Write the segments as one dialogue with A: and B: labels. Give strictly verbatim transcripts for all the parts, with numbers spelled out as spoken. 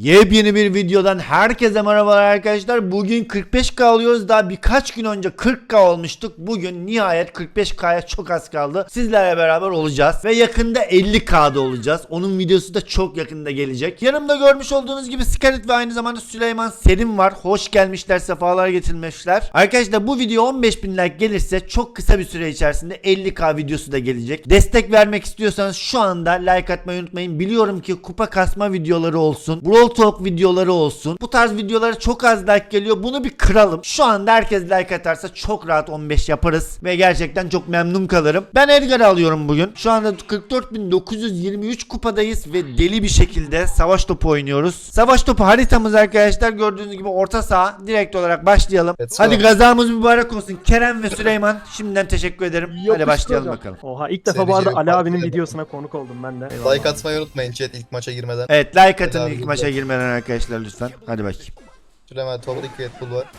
A: Yepyeni bir videodan herkese merhabalar arkadaşlar. Bugün kırk beş K alıyoruz. Daha birkaç gün önce kırk K olmuştuk. Bugün nihayet kırk beş K'ya çok az kaldı. Sizlerle beraber olacağız. Ve yakında elli K'da olacağız. Onun videosu da çok yakında gelecek. Yanımda görmüş olduğunuz gibi Scarlet ve aynı zamanda Süleyman Serim var. Hoş gelmişler, sefalar getirmişler. Arkadaşlar bu video on beş bin like gelirse çok kısa bir süre içerisinde elli K videosu da gelecek. Destek vermek istiyorsanız şu anda like atmayı unutmayın. Biliyorum ki kupa kasma videoları olsun, Brawl Talk videoları olsun, bu tarz videolara çok az like geliyor. Bunu bir kıralım. Şu anda herkes like atarsa çok rahat on beş yaparız ve gerçekten çok memnun kalırım. Ben Edgar'ı alıyorum bugün. Şu anda kırk dört bin dokuz yüz yirmi üç kupadayız ve deli bir şekilde savaş topu oynuyoruz. Savaş topu haritamız arkadaşlar gördüğünüz gibi orta saha. Direkt olarak başlayalım.
B: Let's
A: Hadi
B: go.
A: gazamız mübarek olsun. Kerem ve Süleyman şimdiden teşekkür ederim. Hadi
C: Yapıştır
A: başlayalım
C: hocam.
A: bakalım.
C: Oha ilk defa
B: Seni
C: bu arada
B: Cem
C: Ali abinin
B: takip ederim.
C: videosuna konuk oldum ben de.
B: Like atmayı unutmayın chat ilk maça girmeden.
A: Evet, like atın
B: Helal
A: ilk
B: olsun.
A: maça girmeden arkadaşlar lütfen. Hadi bakayım.
B: Süleyman Toprak Red Bull var.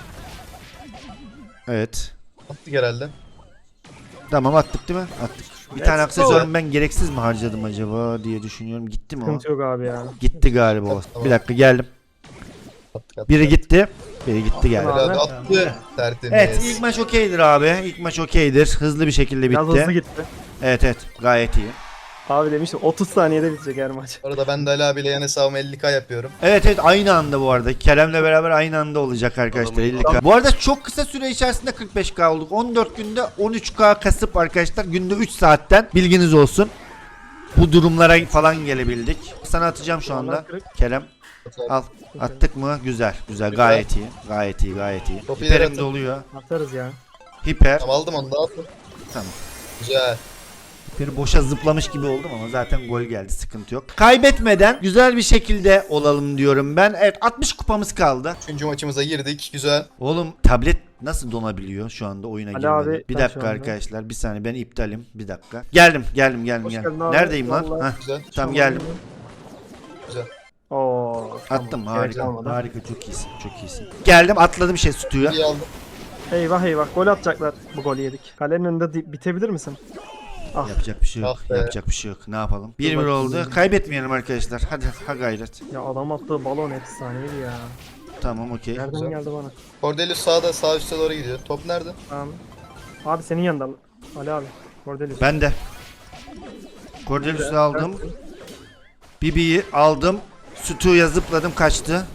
A: Evet.
B: Attık herhalde.
A: Tamam, attık değil mi? Attık. Bir
C: Let's
A: tane
C: go.
A: aksesuarımı ben gereksiz mi harcadım acaba diye düşünüyorum. Gitti mi o?
C: Sıkıntı yok abi ya.
A: Gitti galiba o.
B: Tamam.
A: Bir dakika, geldim.
B: Attık attık.
A: Biri gitti. Biri gitti geldi.
C: Tamam.
B: Herhalde
C: Abi.
B: attı. Tertemiz.
A: Evet, ilk maç okeydir abi. İlk maç okeydir. Hızlı bir şekilde
C: Biraz hızlı
A: bitti.
C: gitti.
A: Evet evet, gayet iyi.
C: Abi demiştim otuz saniyede bitecek her maç.
B: Bu arada ben de Ali abiyle yan hesabımı elli K yapıyorum.
A: Evet evet, aynı anda bu arada. Kerem'le beraber aynı anda olacak arkadaşlar. elli K. Bu arada çok kısa süre içerisinde kırk beş K olduk. on dört günde on üç K kasıp arkadaşlar günde üç saatten, bilginiz olsun. Bu durumlara falan gelebildik. Sana atacağım şu anda. Kerem al. Attık mı? Güzel. Güzel. Gayet iyi. Gayet iyi. Gayet iyi.
B: Topu
A: Hiperim
B: yaratın.
A: doluyor.
C: Atarız ya.
A: Hiper.
B: Tamam aldım onu da attım.
A: Tamam.
B: Güzel.
A: Hiperi boşa zıplamış gibi oldum ama zaten gol geldi. Sıkıntı yok. Kaybetmeden güzel bir şekilde olalım diyorum ben. Evet, altmış kupamız kaldı.
B: Üçüncü maçımıza girdik. Güzel.
A: Oğlum tablet nasıl donabiliyor şu anda oyuna
C: Ali
A: girmeden?
C: abi,
A: Bir
C: ben
A: dakika
C: şu anda-
A: arkadaşlar. Bir saniye, ben iptalim. Bir dakika. Geldim. Geldim. Geldim.
C: Hoş
A: geldim.
C: geldin abi.
A: Neredeyim lan?
C: Vallahi.
A: Heh,
B: Güzel.
A: tamam geldim.
B: Güzel.
C: Oo.
A: Attım.
C: tamam.
A: Harika.
C: Gerek olmadı.
A: Harika. Çok iyisin. Çok iyisin. Geldim. Atladım şey sütüye.
B: İyi aldım.
C: Eyvah eyvah gol atacaklar. Bu golü yedik. Kalenin önünde di- bitebilir misin? Ah.
A: Yapacak bir şey yok.
B: Ah be.
A: Yapacak bir şey yok. Ne yapalım? bir bir
C: bakayım.
A: oldu. Kaybetmeyelim arkadaşlar. Hadi ha gayret.
C: Ya adam attığı balon efsaneydi ya.
A: Tamam, okey.
C: Nereden
B: Güzel.
C: geldi bana?
B: Cordelius sağda sağ üstte doğru gidiyor. Top nerede?
C: Tamam. Abi senin yanında Ali abi. Cordelius.
A: Ben de. Cordelius'u aldım. Bibi'yi aldım. Sütüye zıpladım, kaçtı.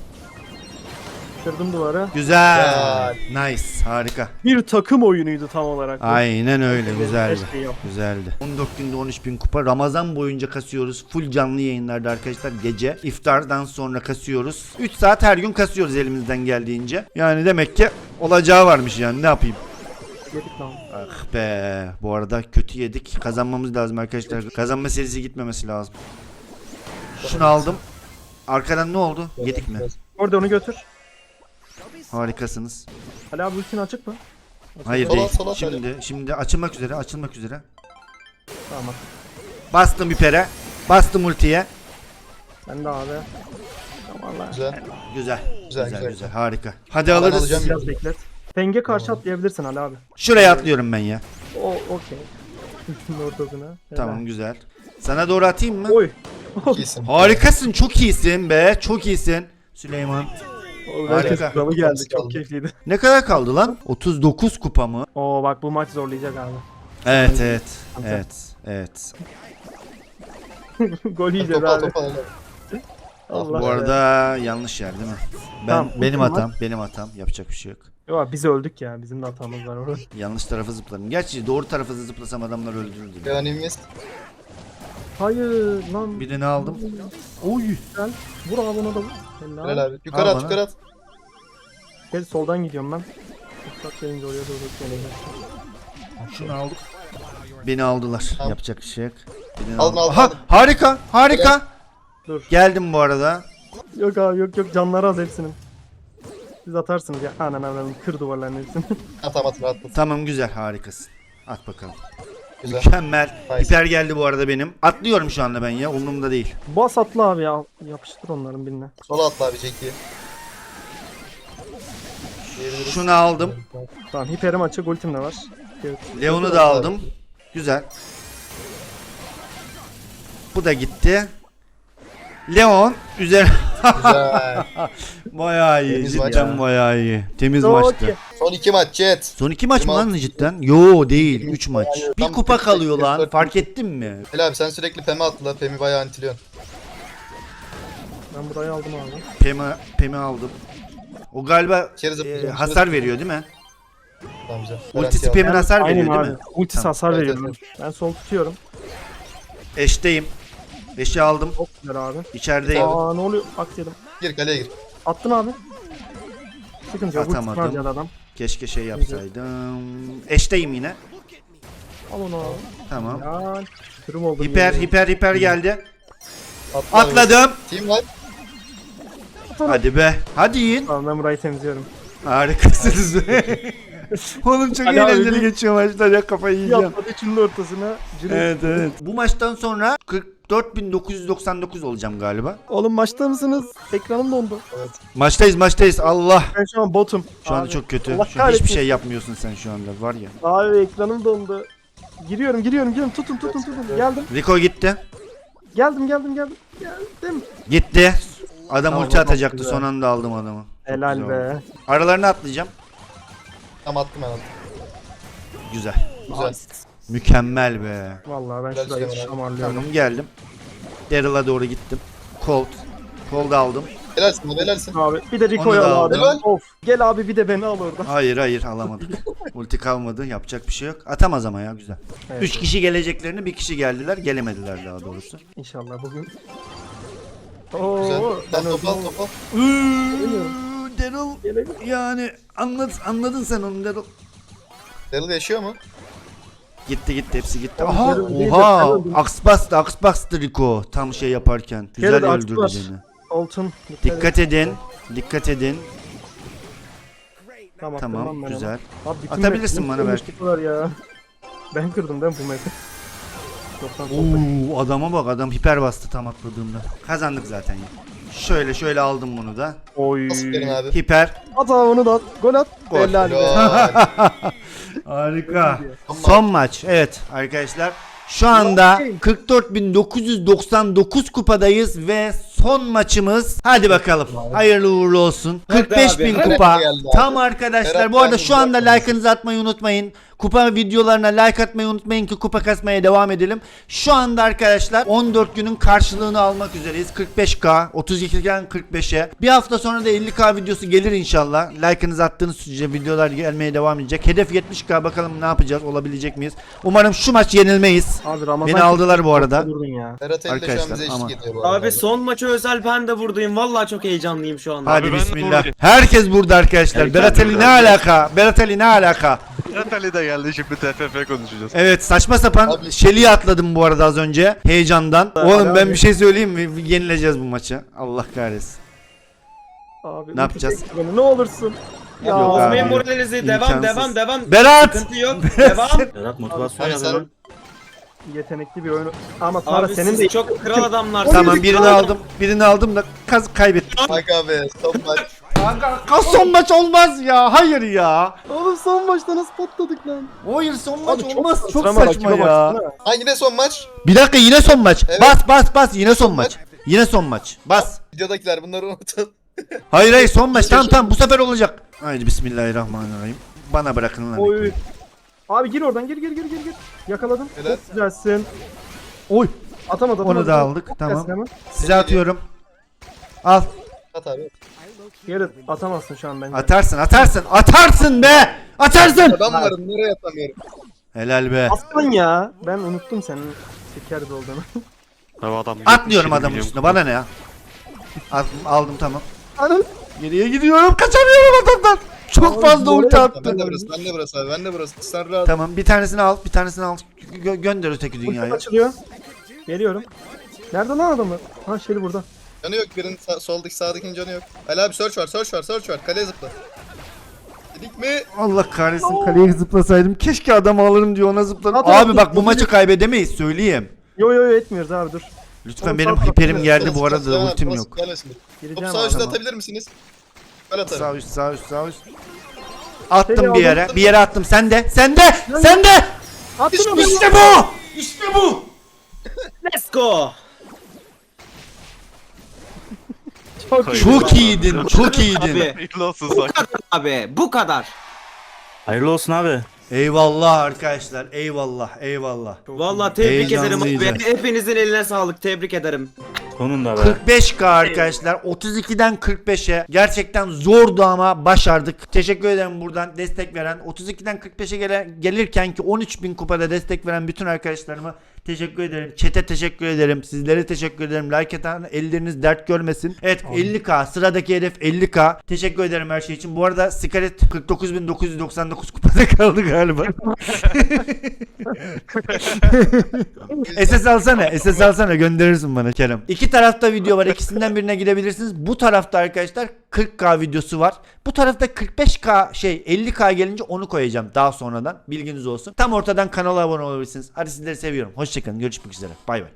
C: Kırdım duvarı.
A: Güzel. Nice. Harika.
C: Bir takım oyunuydu tam olarak. bu.
A: Aynen öyle.
C: Her
A: Güzeldi.
C: şeyi yap.
A: Güzeldi. on dört günde on üç bin kupa. Ramazan boyunca kasıyoruz. Full canlı yayınlarda arkadaşlar. Gece iftardan sonra kasıyoruz. üç saat her gün kasıyoruz elimizden geldiğince. Yani demek ki olacağı varmış yani. Ne yapayım?
C: Yedik lan.
A: Ah be. Bu arada kötü yedik. Kazanmamız lazım arkadaşlar. Kazanma serisi gitmemesi lazım. Şunu aldım. Arkadan ne oldu? Yedik mi?
C: Orada onu götür.
A: Harikasınız.
C: Ali abi ultin açık mı?
A: Hayır
B: Sola,
A: değil.
B: sola
A: Şimdi şimdi açılmak üzere, açılmak üzere.
C: Tamam.
A: Bastım ipere. Bastım ultiye.
C: Sen de abi. Tamam Allah.
B: Güzel.
A: Güzel. Güzel
B: Güzel,
A: güzel.
B: güzel.
A: Harika. Hadi
B: Ben
A: alırız.
B: alacağım.
C: Biraz beklet. Penge karşı atlayabilirsin Ali abi.
A: Şuraya atlıyorum ben ya.
C: O okey. Ultinin ortasına. Helal.
A: Tamam, güzel. Sana doğru atayım mı?
C: Oy.
B: İyisin.
A: Harikasın. Çok iyisin be. Çok iyisin. Süleyman.
C: Oğlum,
A: Harika.
C: herkes kralı geldi.
B: Kaldı.
C: Çok keyifliydi.
A: Ne kadar kaldı lan? otuz dokuz kupa mı?
C: Oo bak bu maç zorlayacak abi.
A: Evet evet. Evet. Evet.
C: Gol yiyeceğiz
B: Top al
C: abi.
B: top al.
C: Allah
A: Bu
C: ya.
A: arada yanlış yer değil mi? Ben
C: Tamam,
A: benim
C: ultim var.
A: hatam. Benim hatam. Yapacak bir şey yok.
C: Yo, biz öldük ya. Bizim de hatamız var orada.
A: Yanlış tarafa zıpladım. Gerçi doğru tarafa zıplasam adamlar öldürürdü.
B: Yanimiz.
C: Hayır lan.
A: Birini aldım. Oy.
C: Güzel. Vur abi ona da vur. Helal.
B: Helal abi. Yukarı
A: Al
B: at
A: bana.
B: yukarı at.
C: Gel soldan gidiyorum ben. Uçak gelince oraya doğru geleceğim.
A: Şunu aldık. Beni aldılar.
B: Tamam.
A: Yapacak bir şey yok. Birini
B: Aldım,
A: aldım.
B: aldım,
A: Aha,
B: aldım.
A: harika. Harika.
C: Dur.
A: Geldim bu arada.
C: Yok abi yok yok canları az hepsinin. Siz atarsınız ya. Anan anan kır duvarların hepsini.
B: At at rahat at.
A: Tamam, güzel, harikasın. At bakalım.
B: Güzel.
A: Mükemmel.
B: Nice.
A: Hiper geldi bu arada benim. Atlıyorum şu anda ben ya. Umurumda değil.
C: Bas atla abi ya. Yapıştır onların birine.
B: Sola atla abi Jack'i. Diyebiliriz.
A: Şunu aldım.
C: Tamam hiperim açık ultim de var. Evet.
A: Leon'u da aldım. Güzel. Bu da gitti. Leon üzerine
B: Güzel.
A: Bayağı iyi.
B: Temiz
A: Cidden
C: maç.
A: bayağı iyi. Temiz
C: Çok
A: maçtı.
C: iyi.
B: Son iki maç chat.
A: Son iki maç mı
B: Yirmi
A: lan
B: altı.
A: cidden? Yo değil. Üç maç.
B: Yani
A: Bir
B: tam
A: kupa
B: kırk
A: kalıyor
B: sekiz,
A: lan.
B: dört
A: Fark ettin mi?
B: Helal abi sen sürekli Pem'i atla. Pem'i bayağı antiliyorsun.
C: Ben burayı aldım abi.
A: Pemi, Pemi aldım. O galiba
B: İçeri
A: e,
B: zıplayacağım,
A: hasar
B: içeri
A: veriyor değil mi?
B: Tamam güzel.
A: Ultisi
B: Garanti
A: Pem'in hasar
C: Aynen
A: veriyor
C: abi.
A: değil mi?
C: Ultisi
A: Tamam.
C: hasar
B: Evet,
C: veriyor.
B: evet,
C: Ben sol tutuyorum.
A: Eşteyim. Eşi aldım.
C: Çok güzel abi.
A: İçerideyim.
B: Tamam.
C: Aa ne oluyor? At yedim.
B: al. Gir kaleye gir.
C: Attın abi. Sıkıntı yok. Ultisi
A: Atamadım.
C: var ya adam.
A: Keşke şey yapsaydım. Eşteyim yine.
C: Al onu abi.
A: Tamam.
C: Ya. Kırım oldum.
A: Hiper
C: yemin
A: hiper hiper geldi.
B: Atla abi.
A: Atladım.
B: Team var.
A: Hadi be. Hadi yiyin.
C: Tamam ben burayı temizliyorum.
A: Harikasınız. Oğlum çok
C: Hadi abi,
A: eğlenceli
C: bir-
A: geçiyor maçlar ya, kafayı yiyeceğim.
C: Yapmadı üçünün ortasına. Cırık.
A: Evet evet. Bu maçtan sonra kırk dört bin dokuz yüz doksan dokuz olacağım galiba.
C: Oğlum maçta mısınız? Ekranım dondu.
A: Maçtayız maçtayız Allah.
C: Ben şu an botum.
A: Şu anda
C: Abi,
A: çok kötü.
C: Allah
A: Şu an hiçbir
C: kahretsin.
A: şey yapmıyorsun sen şu anda var ya.
C: Abi ekranım dondu. Giriyorum giriyorum giriyorum. Tutun tutun tutun. Geldim.
A: Rico gitti.
C: Geldim geldim geldim. Geldim.
A: Gitti. Adam
C: Tamam,
A: ulti
C: çok
A: atacaktı,
C: güzel.
A: son anda aldım adamı. Çok
C: Helal
A: güzel
C: be.
A: oldu. Aralarını atlayacağım.
B: Tamam attım ben attım.
A: Güzel.
B: Güzel.
A: Mükemmel be.
C: Vallahi ben
B: Güzel
C: şurayı
B: şey var abi.
C: şamarlıyorum.
A: Tamam geldim. Daryl'a doğru gittim. Colt. Colt aldım.
B: Helalsin abi helalsin.
C: Abi bir de
A: Onu
C: Rico'yu
A: da
C: al abi.
B: aldım.
C: Of. Gel abi bir de beni al oradan.
A: Hayır hayır alamadık. Ulti kalmadı, yapacak bir şey yok. Atamaz ama ya, güzel.
C: Evet,
A: Üç kişi geleceklerini bir kişi geldiler, gelemediler daha doğrusu.
C: İnşallah bugün.
B: Güzel.
C: Oo, ben
B: Tamam
C: öldüm.
B: top al top al.
A: Daryl
C: Gelelim.
A: yani anladın, anladın sen onu Daryl.
B: Daryl yaşıyor mu?
A: Gitti gitti hepsi gitti.
C: Oğlum,
A: Aha
C: Daryl değil de
A: oha
C: sen öldün.
A: aks bastı aks bastı Rico tam şey yaparken. Güzel
C: Kere de aks
A: öldürdü
C: bas.
A: beni.
C: Olsun.
A: Dikkat edin. Dikkat edin.
C: Tamam,
A: Tamam
C: kırmam ben
A: güzel.
C: onu. Abi, bütün
A: Atabilirsin
C: map-
A: bana
C: bütün
A: belki.
C: map var ya. Ben kırdım değil mi bu map'i? Yoktan sohbet.
A: Oo adama bak, adam hiper bastı tam atladığımda. Kazandık zaten ya. Şöyle şöyle aldım bunu da.
C: Oy.
B: Nasıl verin abi?
A: Hiper.
C: At abi onu da at. Gol at.
A: Gol.
C: Helal be.
B: Helal.
A: Harika.
B: Son
A: Son maç. Evet arkadaşlar. Şu anda kırk dört bin dokuz yüz doksan dokuz kupadayız ve son maçımız. Hadi bakalım. Hayırlı uğurlu olsun. kırk beş bin
B: abi.
A: kupa.
B: Berat geldi abi.
A: Tam arkadaşlar.
B: Berat
A: Bu arada
B: geldi,
A: şu anda
B: Berat geldi.
A: like'ınızı atmayı unutmayın. Kupa videolarına like atmayı unutmayın ki kupa kasmaya devam edelim. Şu anda arkadaşlar on dört günün karşılığını almak üzereyiz. kırk beş K, otuz ikiden kırk beşe. Bir hafta sonra da elli K videosu gelir inşallah. Like'ınızı attığınız sürece videolar gelmeye devam edecek. Hedef yetmiş K, bakalım ne yapacağız, olabilecek miyiz? Umarım şu maç yenilmeyiz.
C: Abi Ramazan
A: Beni aldılar bu arada.
C: Durdun ya.
B: Berat Ali de şu an
A: Arkadaşlar,
B: bize
A: ama-
B: eşlik ediyor bu arada.
D: Abi son maça özel ben de buradayım. Vallahi çok heyecanlıyım şu anda.
A: Hadi
E: ben de
A: bismillah.
E: buradayım.
A: Herkes burada arkadaşlar. Berat Ali ne alaka? Berat Ali ne alaka?
E: Berat Ali de geldi, şimdi T F F konuşacağız.
A: Evet, saçma sapan
B: Abi-
A: Şeli'yi atladım bu arada az önce heyecandan.
C: Abi,
A: Oğlum ben
C: abi.
A: bir şey söyleyeyim mi? Yenileceğiz bu maçı. Allah kahretsin.
C: Abi
A: Ne yapacağız?
C: çek beni, ne olursun. Ya
A: Yok abi.
D: Bozmayın moralinizi. Devam
A: İmkansız.
D: devam devam.
A: Berat!
D: Sıkıntı yok. Devam.
F: Berat motivasyon
B: Abi
F: yazıyor
B: sen-
F: lan.
C: yetenekli bir oyun. Ama Tara
D: Abi
C: senin
D: siz
C: de
D: çok kral adamlarsınız.
A: Tamam, birini aldım. Birini aldım da kaz kaybettim.
B: Bak abi son maç.
A: Kanka son maç olmaz ya. Hayır ya.
C: Oğlum son maçta nasıl patladık lan?
A: Hayır son maç
C: Abi çok
A: olmaz. Çok
C: sıçrama,
A: saçma
C: rakibe
A: ya.
C: baksana.
B: Ha yine son maç.
A: Bir dakika, yine son maç.
B: Evet.
A: Bas bas bas, yine son maç. Yine son maç. Bas.
B: Videodakiler bunları unutun.
A: Hayır hayır, son maç. Tamam tamam, bu sefer olacak. Haydi bismillahirrahmanirrahim. Bana bırakın lan.
C: Oy. Abi gir oradan, gir gir gir gir gir. Yakaladım.
B: Helal.
C: Çok güzelsin.
A: Oy.
C: Atamadı.
A: Onu
C: atamadı.
A: da aldık,
C: Çok
A: tamam.
C: güzelsin hemen.
A: Size atıyorum. Al.
B: At abi.
C: Geri atamazsın şu an bence.
A: Atarsın atarsın. Atarsın be. Atarsın.
B: Ben varım nereye atamıyorum.
A: Helal be.
C: Aslan ya. Ben unuttum senin şeker bir olduğunu.
E: Abi adam
A: Atlıyorum
E: yetmiş
A: adamın
E: milyon
A: üstüne. Bana ne ya? Al- aldım tamam.
C: Anam.
A: Geriye gidiyorum. Kaçamıyorum adamdan. Çok
C: Abi,
A: fazla ulti
C: oraya-
A: attı.
B: Ben de burası, ben de burası abi, ben de burası. Sen rahat.
A: Tamam, bir tanesini al. Bir tanesini al. Gö- gönder öteki
C: Ultim
A: dünyaya.
C: açılıyor. Geliyorum. Nerede lan adamı? Ha Şeli burada.
B: Canı yok birinin sağ, soldaki sağdakinin canı yok. Ali abi search var search var search var. Kaleye zıpla. Dedik mi?
A: Allah kahretsin, kaleye zıplasaydım. Keşke adamı alırım diyor, ona zıpladım.
C: At,
A: Abi
C: at,
A: bak,
C: at,
A: bu
C: at.
A: maçı kaybedemeyiz, söyleyeyim.
C: Yo yo yo etmiyoruz abi dur.
A: Lütfen,
C: Oğlum,
A: benim
C: sağ-
A: hiperim geldi bu
B: Burası,
A: arada,
B: burası,
A: ultim
B: burası,
A: yok.
B: gelmesin. Topu
C: Gireceğim
B: sağ
C: abi.
B: üstte
A: Tamam.
B: atabilir misiniz? Ben atarım.
A: Sağ üst, sağ üst, sağ üst. Attım
C: Seni
A: bir yere,
B: aldım.
A: bir yere attım. Sen de, sen de, sen de.
C: Attın onu.
A: İşte bu. İşte bu.
D: Let's go.
A: Çok iyiydin, çok iyiydin.
D: Abi.
E: Hayırlı olsun
D: Bu
E: Sakın.
D: kadar abi. Bu kadar.
F: Hayırlı olsun abi.
A: Eyvallah arkadaşlar, eyvallah, eyvallah.
D: Vallahi tebrik ederim abi.
A: Heyecanlıydı.
D: Hepinizin eline sağlık. Tebrik ederim.
F: Sonunda be.
A: kırk beş K arkadaşlar, otuz ikiden kırk beşe gerçekten zordu ama başardık. Teşekkür ederim buradan destek veren, otuz ikiden kırk beşe gele, gelirken ki on üç bin kupada destek veren bütün arkadaşlarıma teşekkür ederim. Chat'e teşekkür ederim. Sizlere teşekkür ederim. Like atan elleriniz dert görmesin. Evet, elli K sıradaki hedef elli K. Teşekkür ederim her şey için. Bu arada Scarlett kırk dokuz bin dokuz yüz doksan dokuz kupada kaldı galiba. S S alsana, S S alsana, gönderirsin bana Kerem. İki tarafta video var. İkisinden birine gidebilirsiniz. Bu tarafta arkadaşlar kırk K videosu var. Bu tarafta kırk beş K şey elli K gelince onu koyacağım daha sonradan. Bilginiz olsun. Tam ortadan kanala abone olabilirsiniz. Hadi sizleri seviyorum. Hoşçakalın. Görüşmek üzere. Bay bay.